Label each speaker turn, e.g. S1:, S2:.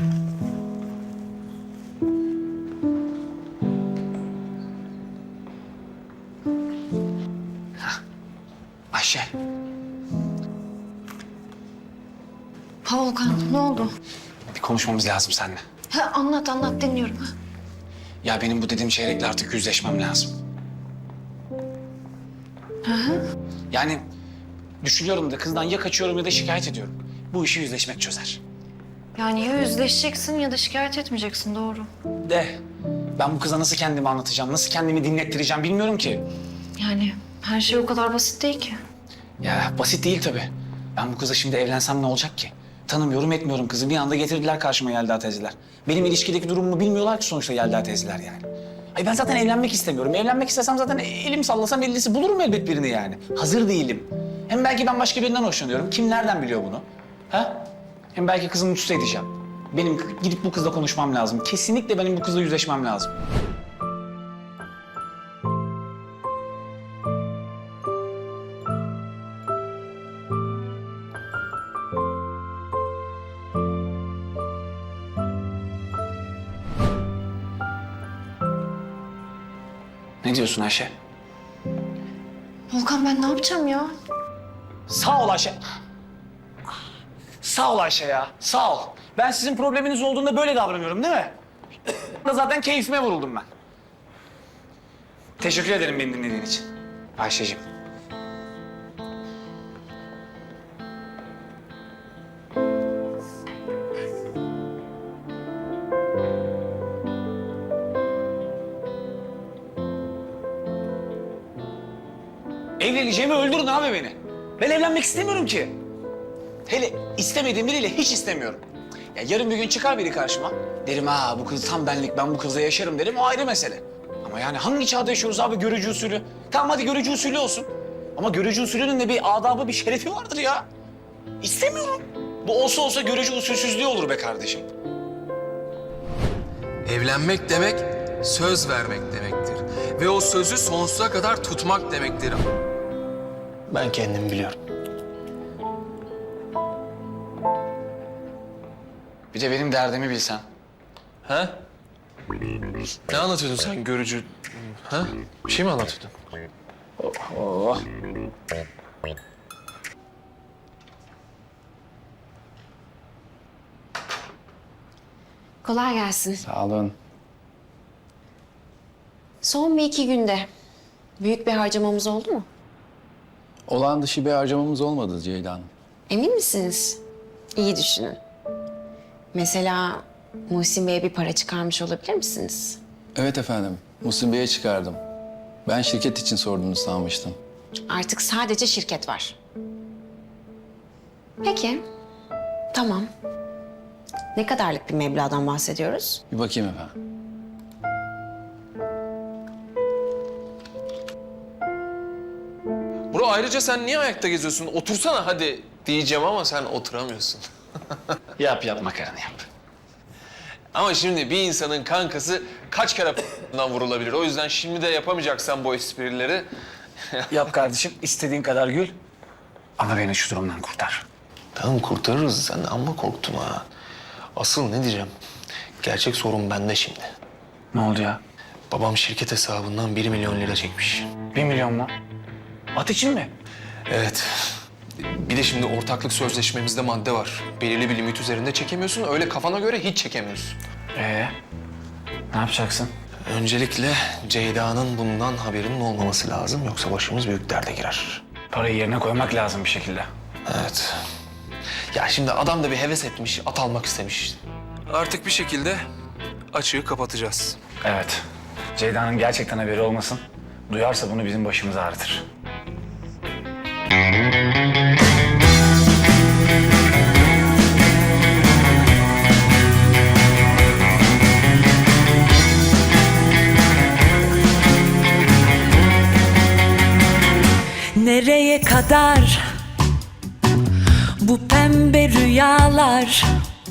S1: Ayşe.
S2: Ha Volkan, ne oldu?
S1: Bir konuşmamız lazım seninle.
S2: Ha, anlat dinliyorum. Ha.
S1: Ya benim bu dediğim çeyrekle artık yüzleşmem lazım. Yani düşünüyorum da kızdan ya kaçıyorum ya da şikayet ediyorum. Bu işi yüzleşmek çözer.
S2: Yani ya yüzleşeceksin ya da şikayet etmeyeceksin, doğru.
S1: De ben bu kıza nasıl kendimi anlatacağım, nasıl kendimi dinlettireceğim bilmiyorum ki.
S2: Yani her şey o kadar basit değil ki.
S1: Ya basit değil tabii. Ben bu kıza şimdi evlensem ne olacak ki? Tanımıyorum etmiyorum kızı. Bir anda getirdiler karşıma Yelda teyzeler. Benim ilişkideki durumumu bilmiyorlar ki sonuçta Yelda teyzeler yani. Ay ben zaten evlenmek istemiyorum. Evlenmek istesem zaten elim sallasam ellisi bulurum elbet birini yani. Hazır değilim. Hem belki ben başka birinden hoşlanıyorum. Kim nereden biliyor bunu? Ha? Hem belki kızı mutsuz edeceğim. Benim gidip bu kızla konuşmam lazım. Kesinlikle benim bu kızla yüzleşmem lazım. Ne diyorsun Ayşe?
S2: Volkan, ben ne yapacağım ya?
S1: Sağ ol Ayşe. Sağ ol Ayşe ya. Sağ ol. Ben sizin probleminiz olduğunda böyle davranıyorum değil mi? Zaten keyfime vuruldum ben. Teşekkür ederim beni dinlediğin için. Ayşeciğim. Evleneceğimi öldürün abi beni. Ben evlenmek istemiyorum ki. Hele istemediğim biriyle hiç istemiyorum. Ya yarın bir gün çıkar biri karşıma. Derim ha bu kız tam benlik, ben bu kızla yaşarım derim, o ayrı mesele. Ama yani hangi çağda yaşıyoruz abi, görücü usulü? Tamam hadi görücü usulü olsun. Ama görücü usulünün de bir adabı, bir şerefi vardır ya. İstemiyorum. Bu olsa görücü usulsüzlüğü olur be kardeşim.
S3: Evlenmek demek söz vermek demektir. Ve o sözü sonsuza kadar tutmak demektir.
S1: Ben kendim biliyorum. Bir de benim derdimi bilsen.
S3: Ha? Ne anlatıyordun sen görücü? Ha? Bir şey mi anlatıyordun?
S1: Oh.
S2: Kolay gelsin.
S1: Sağ olun.
S2: Son bir iki günde büyük bir harcamamız oldu mu?
S4: Olağan dışı bir harcamamız olmadı Ceyda Hanım.
S2: Emin misiniz? İyi düşünün. Mesela Muhsin Bey'e bir para çıkarmış olabilir misiniz?
S4: Evet efendim, Muhsin Bey'e çıkardım. Ben şirket için sorduğunu sanmıştım.
S2: Artık sadece şirket var. Peki, tamam. Ne kadarlık bir meblağdan bahsediyoruz?
S4: Bir bakayım efendim.
S3: Bro ayrıca sen niye ayakta geziyorsun? Otursana hadi diyeceğim ama sen oturamıyorsun.
S1: Yap makarna yap.
S3: Ama şimdi bir insanın kankası kaç kere vurulabilir? O yüzden şimdi de yapamayacaksan bu esprileri...
S1: Yap kardeşim, istediğin kadar gül. Ama beni şu durumdan kurtar.
S3: Tamam kurtarırız. Sen de amma korktun ha. Asıl ne diyeceğim? Gerçek sorun bende şimdi.
S1: Ne oldu ya?
S3: Babam şirket hesabından 1 milyon lira çekmiş.
S1: 1 milyon mu? At için mi?
S3: Evet. Bir de şimdi ortaklık sözleşmemizde madde var. Belirli bir limit üzerinde çekemiyorsun. Öyle kafana göre hiç çekemiyorsun.
S1: Ne yapacaksın?
S3: Öncelikle Ceyda'nın bundan haberinin olmaması lazım. Yoksa başımız büyük derde girer.
S1: Parayı yerine koymak lazım bir şekilde.
S3: Evet. Ya şimdi adam da bir heves etmiş, at almak istemiş. Artık bir şekilde açığı kapatacağız.
S1: Evet. Ceyda'nın gerçekten haberi olmasın. Duyarsa bunu bizim başımıza ağrıtır.
S5: Nereye kadar bu pembe rüyalar?